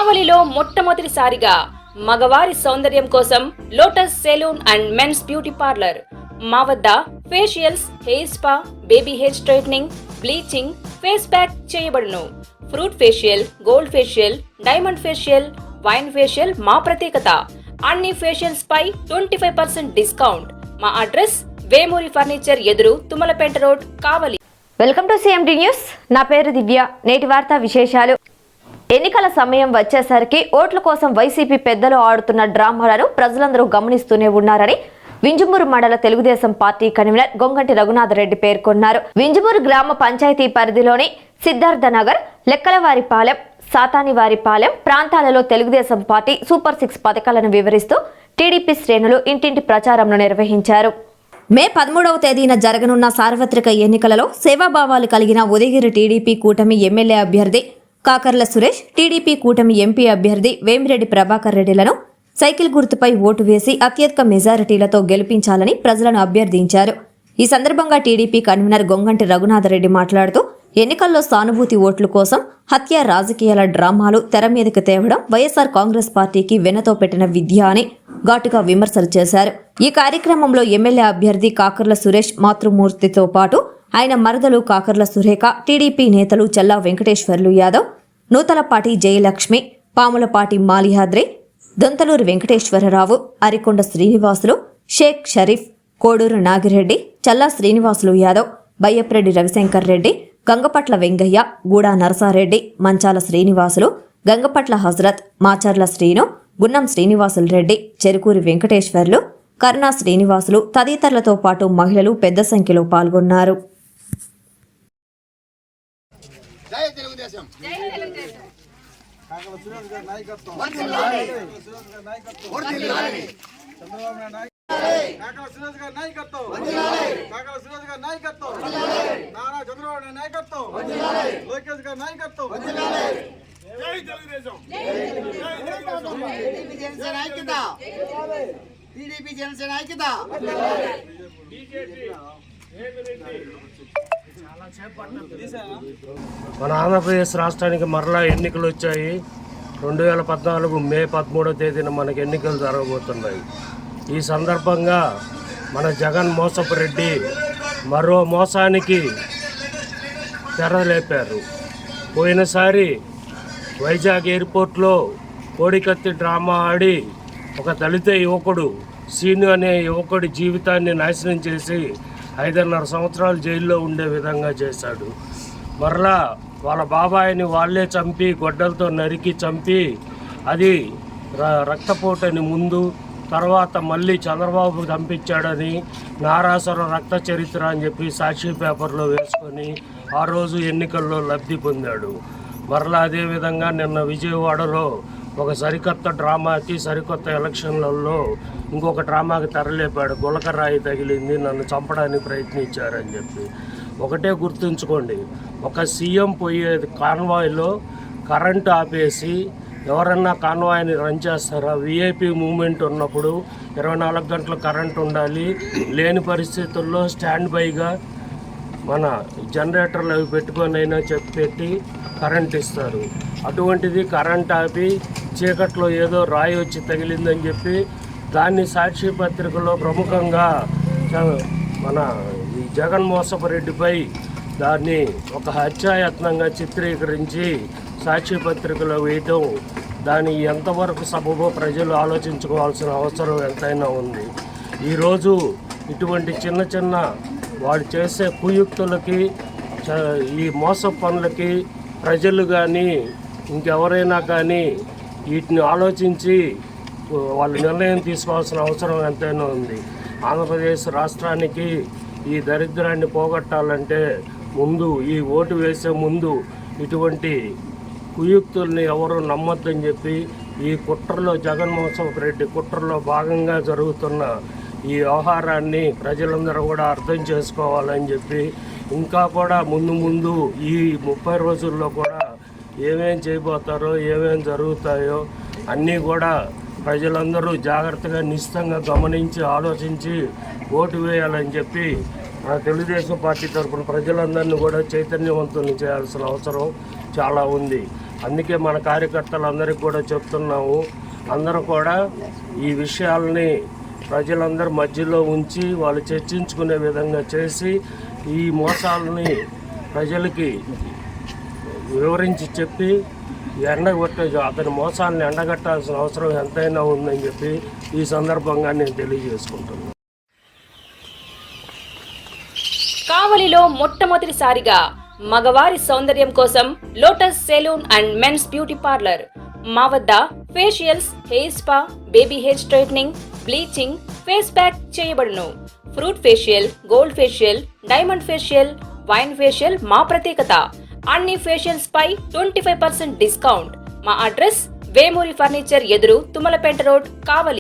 కావలిలో మొట్టమొదటిసారిగా మగవారి సౌందర్యం కోసం lotus saloon and men's beauty parlour. మా వద్ద facials, hair spa, baby hair straightening, bleaching, face pack చేయబడును. Fruit facial, gold facial, diamond facial, wine facial మా ప్రత్యేకత. అన్ని ఫేషియల్స్ పై 25% డిస్కౌంట్. మా అడ్రస్ వేమూరి ఫర్నిచర్ ఎదురు, Tummalapeta road, Kavali. Welcome to CMD news. నా పేరు దివ్య. నేటి వార్తా విశేషాలు. ఎన్నికల సమయం వచ్చేసరికి ఓట్ల కోసం వైసీపీ పెద్దలు ఆడుతున్న డ్రామాలను ప్రజలందరూ గమనిస్తూనే ఉన్నారని వింజమూరు మండల తెలుగుదేశం పార్టీ కన్వీనర్ గొంగంటి రఘునాథరెడ్డి పేర్కొన్నారు. వింజమూరు గ్రామ పంచాయతీ పరిధిలోని సిద్ధార్థనగర్, లెక్కలవారిపాలెం, సాతానివారిపాలెం ప్రాంతాలలో తెలుగుదేశం పార్టీ సూపర్ 6 పథకాలను వివరిస్తూ టీడీపీ శ్రేణులు ఇంటింటి ప్రచారంను నిర్వహించారు. మే 13వ తేదీన జరగనున్న సార్వత్రిక ఎన్నికలలో సేవాభావాలు కలిగిన ఉదయగిరి టీడీపీ కూటమి ఎమ్మెల్యే అభ్యర్థి కాకర్ల సురేష్, టీడీపీ కూటమి ఎంపీ అభ్యర్థి వేమిరెడ్డి ప్రభాకర్ రెడ్డిలను సైకిల్ గుర్తుపై ఓటు వేసి అత్యధిక మెజారిటీలతో గెలిపించాలని ప్రజలను అభ్యర్థించారు. ఈ సందర్భంగా టీడీపీ కన్వీనర్ గొంగంటి రఘునాథరెడ్డి మాట్లాడుతూ ఎన్నికల్లో సానుభూతి ఓట్ల కోసం హత్య రాజకీయాల డ్రామాలు తెర మీదకు తేవడం వైఎస్ఆర్ కాంగ్రెస్ పార్టీకి వెన్నతో పెట్టిన విద్య అని ఘాటుగా విమర్శలు చేశారు. ఈ కార్యక్రమంలో ఎమ్మెల్యే అభ్యర్థి కాకర్ల సురేష్ మాతృమూర్తితో పాటు ఆయన మరదలు కాకర్ల సురేఖ, టీడీపీ నేతలు చల్లా వెంకటేశ్వర్లు యాదవ్, నూతలపాటి జయలక్ష్మి, పాములపాటి మాలిహాద్రి, దొంతలూరు వెంకటేశ్వరరావు, అరికొండ శ్రీనివాసులు, షేక్ షరీఫ్, కోడూరు నాగిరెడ్డి, చల్లా శ్రీనివాసులు యాదవ్, బయ్యప్రెడ్డి రవిశంకర్ రెడ్డి, గంగపట్ల వెంగయ్య, గూడా నరసారెడ్డి, మంచాల శ్రీనివాసులు, గంగపట్ల హజరత్, మాచర్ల శ్రీను, గున్నం శ్రీనివాసులు రెడ్డి, చెరుకూరి వెంకటేశ్వర్లు, కరుణా శ్రీనివాసులు తదితరులతో పాటు మహిళలు పెద్ద సంఖ్యలో పాల్గొన్నారు. టీడీపీ జనసేన ఐక్యత. మన ఆంధ్రప్రదేశ్ రాష్ట్రానికి మరలా ఎన్నికలు వచ్చాయి. 2014 మే 13వ తేదీన మనకు ఎన్నికలు జరగబోతున్నాయి. ఈ సందర్భంగా మన జగన్ మోసపు రెడ్డి మరో మోసానికి తెరలేపారు. పోయినసారి వైజాగ్ ఎయిర్పోర్ట్లో కోడికత్తి డ్రామా ఆడి ఒక దళిత యువకుడు సీను అనే యువకుడి జీవితాన్ని నాశనం చేసి 5.5 సంవత్సరాలు జైల్లో ఉండే విధంగా చేశాడు. మరలా వాళ్ళ బాబాయిని వాళ్ళే చంపి గొడ్డలతో నరికి చంపి అది రక్తపోటని ముందు, తర్వాత మళ్ళీ చంద్రబాబు చంపించాడని నారాసుర రక్త చరిత్ర అని చెప్పి సాక్షి పేపర్లో వేసుకొని ఆ రోజు ఎన్నికల్లో లబ్ధి పొందాడు. మరలా అదేవిధంగా నిన్న విజయవాడలో ఒక సరికొత్త డ్రామాకి, సరికొత్త ఎలక్షన్లలో ఇంకొక డ్రామాకి తెరలేపాడు. గులకరాయి తగిలింది, నన్ను చంపడానికి ప్రయత్నించారని చెప్పి. ఒకటే గుర్తుంచుకోండి, ఒక సీఎం పోయే కాన్వాయ్లో కరెంటు ఆపేసి ఎవరన్నా కాన్వాయ్ని రన్ చేస్తారా? విఐపి మూమెంట్ ఉన్నప్పుడు 24 గంటలు కరెంటు ఉండాలి. లేని పరిస్థితుల్లో స్టాండ్ బైగా మన జనరేటర్లు అవి పెట్టుకొని అయినా పెట్టి కరెంట్ ఇస్తారు. అటువంటిది కరెంట్ ఆపి చీకట్లో ఏదో రాయి వచ్చి తగిలిందని చెప్పి దాన్ని సాక్షి పత్రికలో ప్రముఖంగా మన ఈ జగన్ మోసపు రెడ్డిపై దాన్ని ఒక హత్యాయత్నంగా చిత్రీకరించి సాక్షి పత్రికలో వేయటం, దాని ఎంతవరకు సబబో ప్రజలు ఆలోచించుకోవాల్సిన అవసరం ఎంతైనా ఉంది. ఈరోజు ఇటువంటి చిన్న చిన్న వాడు చేసే కుయుక్తులకి, ఈ మోస పనులకి ప్రజలు కానీ ఇంకెవరైనా కానీ వీటిని ఆలోచించి వాళ్ళు నిర్ణయం తీసుకోవాల్సిన అవసరం ఎంతైనా ఉంది. ఆంధ్రప్రదేశ్ రాష్ట్రానికి ఈ దరిద్రాన్ని పోగొట్టాలంటే ముందు, ఈ ఓటు వేసే ముందు ఇటువంటి కుయుక్తుల్ని ఎవరు నమ్మొద్దని చెప్పి ఈ కుట్రలో, జగన్మోహన్ రెడ్డి కుట్రలో భాగంగా జరుగుతున్న ఈ వ్యవహారాన్ని ప్రజలందరూ కూడా అర్థం చేసుకోవాలని చెప్పి, ఇంకా కూడా ముందు ఈ 30 రోజుల్లో కూడా ఏమేం చేయబోతారో, ఏమేం జరుగుతాయో అన్నీ కూడా ప్రజలందరూ జాగ్రత్తగా నిశ్చితంగా గమనించి ఆలోచించి ఓటు వేయాలని చెప్పి మన తెలుగుదేశం పార్టీ తరఫున ప్రజలందరినీ కూడా చైతన్యవంతుల్ని చేయాల్సిన అవసరం చాలా ఉంది. అందుకే మన కార్యకర్తలందరికీ కూడా చెప్తున్నాము, అందరూ కూడా ఈ విషయాలని ప్రజలందరి మధ్యలో ఉంచి వాళ్ళు చర్చించుకునే విధంగా చేసి ఈ మోసాలని ప్రజలకి వివరించి చెప్పి అతని మోసాలను ఎండగట్టాల్సిన అవసరం ఎంతైనా ఉందని చెప్పి ఈ సందర్భంగా నేను తెలియజేసుకుంటున్నాను. కావలిలో మొట్టమొదటిసారిగా మగవారి సౌందర్యం కోసం lotus saloon and men's beauty parlour. మా వద్ద facials, hair spa, baby hair straightening, bleaching, face pack చేయబడును. Fruit facial, gold facial, diamond facial, wine facial మా ప్రత్యేకత. అన్ని ఫేషియల్స్ పై 25% డిస్కౌంట్. మా అడ్రస్ వేమూరి ఫర్నిచర్ ఎదురు, తుమ్మలపేట రోడ్, కావలి.